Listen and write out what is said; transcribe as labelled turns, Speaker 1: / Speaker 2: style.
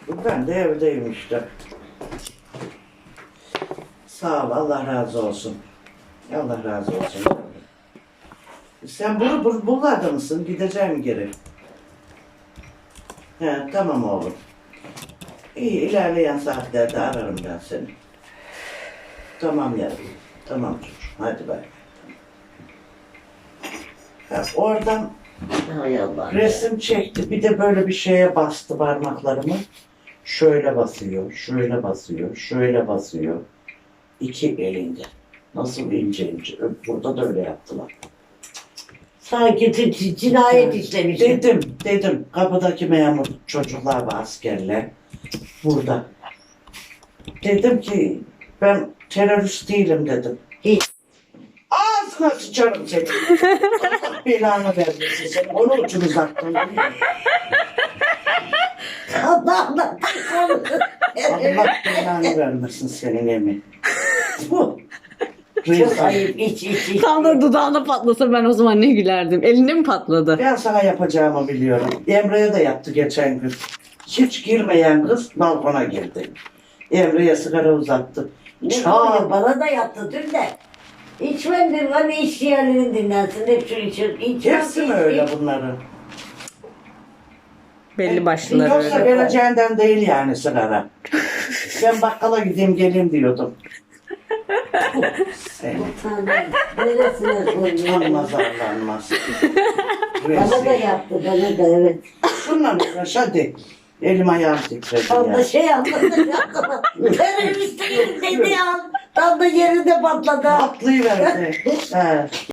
Speaker 1: Ben de evdeyim işte. Sağ ol, Allah razı olsun. Allah razı olsun. Sen buralarda mısın? Gideceğim geri. He, tamam oğlum. İyi, ilerleyen saatlerde ararım ben seni. Tamam yavrum. Tamam çocuğum. Hadi bay. Ha, oradan
Speaker 2: Hay Allah.
Speaker 1: resim çekti. Bir de böyle bir şeye bastı parmaklarımı. Şöyle basıyor, şöyle basıyor, şöyle basıyor. İki elinde. Nasıl ince ince. Burada da öyle yaptılar.
Speaker 2: Sanki cinayet işlemiş.
Speaker 1: Dedim. Kapıdaki memur çocuklar ve askerler burada. Dedim ki ben terörist değilim dedim.
Speaker 2: Hiç.
Speaker 1: Ağzına sıçarım seni. Allah belanı vermesin seni. Onu ucunu uzattın.
Speaker 2: Allah'ım.
Speaker 1: Allah belanı vermesin senin emin. Bu.
Speaker 2: Çok ayıp. İç.
Speaker 3: Tam da dudağına patlasa ben o zaman ne gülerdim. Elinde mi patladı?
Speaker 1: Ben sana yapacağımı biliyorum. Emre'ye de yaptı geçen gün. Hiç girmeyen kız balkona girdi. Emre'ye sigara uzattı. Çağ.
Speaker 2: Bana da yaptı dün de. İçmedim. Hani iş yerlerini dinlensin. Hep şu içir.
Speaker 1: Hepsi mi öyle bunların?
Speaker 3: Belli başlıları
Speaker 1: Yoksa
Speaker 3: öyle.
Speaker 1: vereceğinden değil yani sigara. Ben bakkala gideyim geleyim diyordum. Seni.
Speaker 2: Neresine koyuyor?
Speaker 1: Anmaz arlanmaz.
Speaker 2: Bana da yaptı. Bana da evet.
Speaker 1: Şunla uğraş hadi. Elim ayağım titredi
Speaker 2: Tam da
Speaker 1: ya.
Speaker 2: şey anladı. Terörist değilim dedi ya. Tam da yerinde patladı.
Speaker 1: Atlayıverdi. He.